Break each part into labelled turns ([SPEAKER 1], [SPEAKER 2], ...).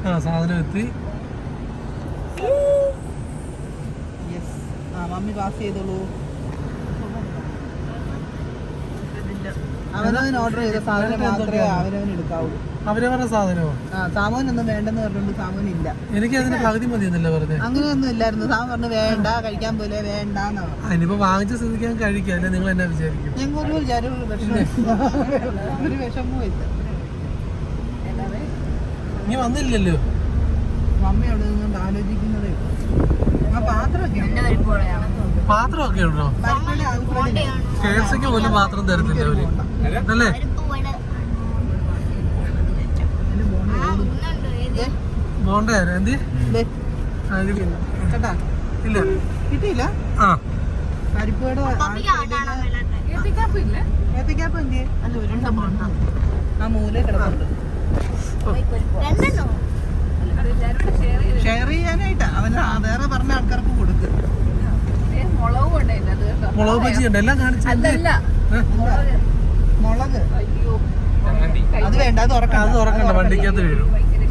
[SPEAKER 1] സാധനം എത്തി.
[SPEAKER 2] Mummy pass ചെയ്തോളൂ. അവനവന് ഓർഡർ ചെയ്ത സാധനം മാത്രമേ അവനവന് എടുക്കാവുള്ളൂ.
[SPEAKER 1] അവരവരുടെ സാധനമോ?
[SPEAKER 2] സാമോനൊന്നും വേണ്ടെന്ന് പറഞ്ഞോണ്ട് സാമോനില്ല.
[SPEAKER 1] എനിക്ക് അതിന് പകുതി മതി എന്നല്ലേ പറഞ്ഞത്?
[SPEAKER 2] അങ്ങനെയൊന്നും ഇല്ലായിരുന്നു. സാമൻ പറഞ്ഞു വേണ്ട, കഴിക്കാൻ പോലെ വേണ്ടെന്നാ.
[SPEAKER 1] അതിനിപ്പോ വാങ്ങിച്ച സ്ഥിതിക്കാൻ കഴിക്കാം അല്ലെ? നിങ്ങൾ എന്നാ വിചാരിക്കും?
[SPEAKER 2] ഞങ്ങൾ ഒരു വിഷമവും ഇല്ല.
[SPEAKER 1] ഇനി വന്നില്ലല്ലോ.
[SPEAKER 2] മമ്മി അവിടെ നിന്നുകൊണ്ട് ആലോചിക്കുന്നതേ. ആ പാത്രമൊക്കെ
[SPEAKER 1] ഉണ്ടോ? KFCക്ക് പോലും പാത്രം തരത്തില്ല അവര് അല്ലേ? ബോണ്ട എന്ത് ഇല്ല
[SPEAKER 2] കിട്ടിയില്ല.
[SPEAKER 1] ആ
[SPEAKER 2] പരിപ്പോടെ ആ മൂല കിടപ്പുണ്ട്. ഷെയർ ചെയ്യാനായിട്ടാ അവന് വേറെ പറഞ്ഞ ആൾക്കാർക്ക് കൊടുക്കും.
[SPEAKER 1] മുളക് ബജി ഉണ്ട് എല്ലാം കാണിച്ചു.
[SPEAKER 2] മുളക് അത് വേണ്ട, അത്
[SPEAKER 1] തുറക്കണ്ട, വണ്ടിക്കകത്ത് വീഴും.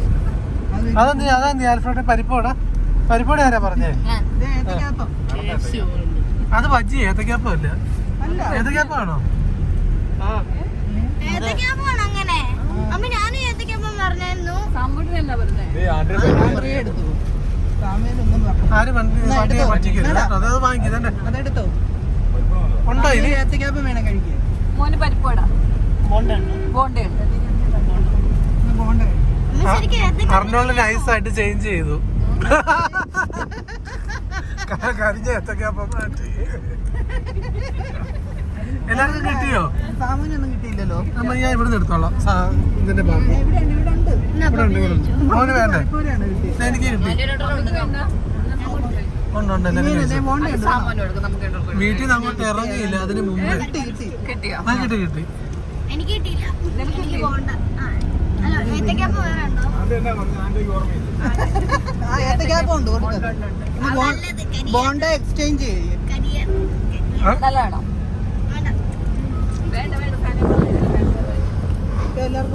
[SPEAKER 1] അതാ ആൽഫ്രഡ് പരിപ്പോടാ. പരിപ്പോടെ ആരാ പറഞ്ഞേ? അത് ബജ്ജി ഏത്തക്കാപ്പം അല്ല. ഏത്തക്കാപ്പാണോ? ആര് വണ്ടി പറ്റിക്കില്ല. അത് വാങ്ങിക്കുന്നേ.
[SPEAKER 2] അതെടുത്തോ.
[SPEAKER 1] ഉണ്ടോ ഇനി?
[SPEAKER 2] ഏത്തക്കാപ്പം വേണം കഴിക്കാൻ.
[SPEAKER 3] മോന് പരിപ്പോടാ.
[SPEAKER 1] അർണോള് നൈസായിട്ട് ചേഞ്ച് ചെയ്തു. കരിഞ്ഞ ഏത്തക്കാപ്പം മാറ്റി. എല്ലാവർക്കും കിട്ടിയോ?
[SPEAKER 2] സാമൂനൊന്നും കിട്ടിയില്ലല്ലോ.
[SPEAKER 1] ഞാൻ ഇവിടുന്ന് എടുത്തോളാം. ഇതിന്റെ ഭാഗം മോന് വേണ്ടേ? എനിക്ക് കിട്ടി. വീട്ടിൽ നിന്ന് അങ്ങോട്ട് ഇറങ്ങിയില്ല അതിന് മുമ്പ്. കിട്ടി.
[SPEAKER 2] ബോണ്ട എക്സ്ചേഞ്ച്
[SPEAKER 3] നല്ലതാണോ? വേണ്ട
[SPEAKER 2] എല്ലാവർക്കും